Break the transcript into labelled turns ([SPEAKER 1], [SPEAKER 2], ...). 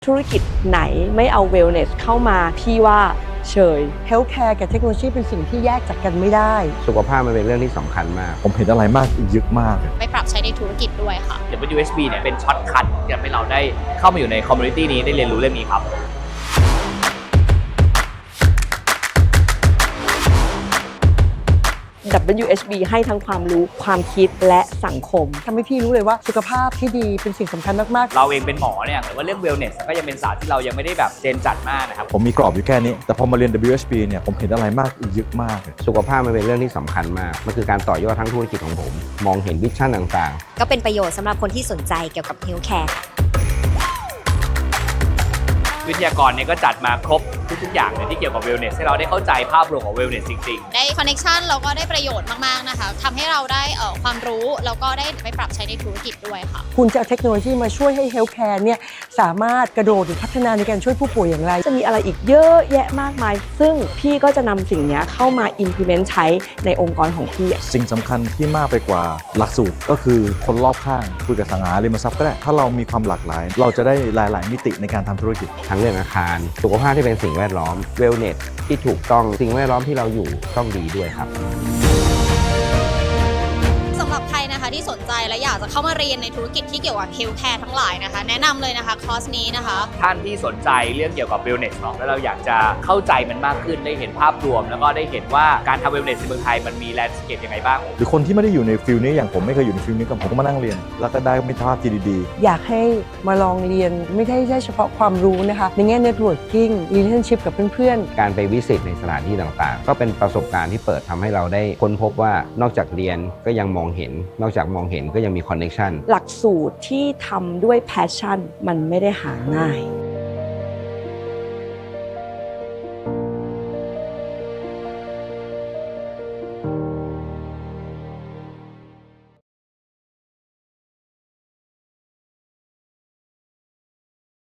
[SPEAKER 1] ธุรกิจไหนไม่เอา wellness เข้ามาพี่ว่าเฉย
[SPEAKER 2] Healthcare กับเทคโนโลยีเป็นสิ่งที่แยกจากกันไม่ได้
[SPEAKER 3] สุขภาพมันเป็นเรื่องที่สำคัญมาก
[SPEAKER 4] ผมเห็นอะไรมากอีกเยอะมาก
[SPEAKER 5] ไปปรับใช้ในธุรกิจด้วยค่ะ
[SPEAKER 6] WSB เนี่ยเป็นช็อตคัทที่ทำให้เราได้เข้ามาอยู่ในคอมมูนิตี้นี้ได้เรียนรู้เรื่องนี้ครับ
[SPEAKER 1] WSB ให้ทั้งความรู้ความคิดและสังคม
[SPEAKER 2] ทำให้พี่รู้เลยว่าสุขภาพที่ดีเป็นสิ่งสำคัญมากๆ
[SPEAKER 6] เราเองเป็นหมอเนี่ยแต่ว่าเรื่อง wellness ก็ยังเป็นศาสตร์ที่เรายังไม่ได้แบบเจนจัดมากนะครับ
[SPEAKER 4] ผมมีกรอบอยู่แค่นี้แต่พอมาเรียน WSB เนี่ยผมเห็นอะไรมากอีกเยอะมาก
[SPEAKER 3] สุขภาพมันเป็นเรื่องที่สำคัญมากมันคือการต่อยอดทั้งธุรกิจของผมมองเห็นวิชั่นต่าง
[SPEAKER 5] ๆก็เป็นประโยชน์สำหรับคนที่สนใจเกี่ยวกับ Healthcare
[SPEAKER 6] วิทยากรเนี่ยก็จัดมาครบทุกๆอย่างเลยที่เกี่ยวกับ wellness ให้เราได้เข้าใจภาพรวมของ wellness จริง
[SPEAKER 5] ๆได้ connection แล้วก็ได้ประโยชน์มากๆนะคะทำให้เราได้ความรู้แล้วก็ได้ไปปรับใช้ในธุรกิจด้วยค่ะ
[SPEAKER 2] คุณจะเอาเทคโนโลยีมาช่วยให้ Healthcare เนี่ยสามารถกระโดดหรือพัฒนาในการช่วยผู้ป่วยอย่างไร
[SPEAKER 1] จะมีอะไรอีกเยอะแยะมากมายซึ่งพี่ก็จะนำสิ่งนี้เข้ามา implement ใช้ในองค์กรของพี่
[SPEAKER 4] สิ่งสำคัญที่มากไปกว่าหลักสูตรก็คือคนรอบข้างคุยกับสังหาริมทรัพย์ก็ได้ถ้าเรามีความหลากหลายเราจะได้หลายๆมิติในการทำธุรกิจ
[SPEAKER 3] ทั้งเรื่องอาคารสุขภาพที่เป็นสิ่งแวดล้อม wellness ที่ถูกต้องสิ่งแวดล้อมที่เราอยู่ต้องดีด้วยครับ
[SPEAKER 5] สำหรับใครนะคะที่สนใจและอยากจะเข้ามาเรียนในธุรกิจที่เกี่ยวกับ Healthcare ทั้งหลายนะคะแนะนำเลยนะคะคอร์สนี้นะคะ
[SPEAKER 6] ท่านที่สนใจเรื่องเกี่ยวกับ wellness เนาะแล้วเราอยากจะเข้าใจมันมากขึ้นได้เห็นภาพรวมแล้วก็ได้เห็นว่าการทำ wellness ในเมืองไทยมันมีแลนด์สเคปยังไงบ้าง
[SPEAKER 4] หรือคนที่ไม่ได้อยู่ในฟิลนี้อย่างผมไม่เคยอยู่ในฟิลนี้กับผมก็มานั่งเรียนแล้วก็ได้มิตรภาพที่ดี
[SPEAKER 2] ๆอยากให้มาลองเรียนไม่ใช่เฉพาะความรู้นะคะในแง่ networking relationship กับเพื่อน
[SPEAKER 3] ๆการไปวิสิตในสถานที่ต่างๆก็เป็นประสบการณ์ที่เปิดทำให้เราได้ค้นพบว่านอกจากเรียนก็ยังมองเห็นนอกจากมองเห็นก็ยังมีคอนเนคชั่น
[SPEAKER 1] หลักสูตรที่ทำด้วย passion มันไม่ได้หาง่าย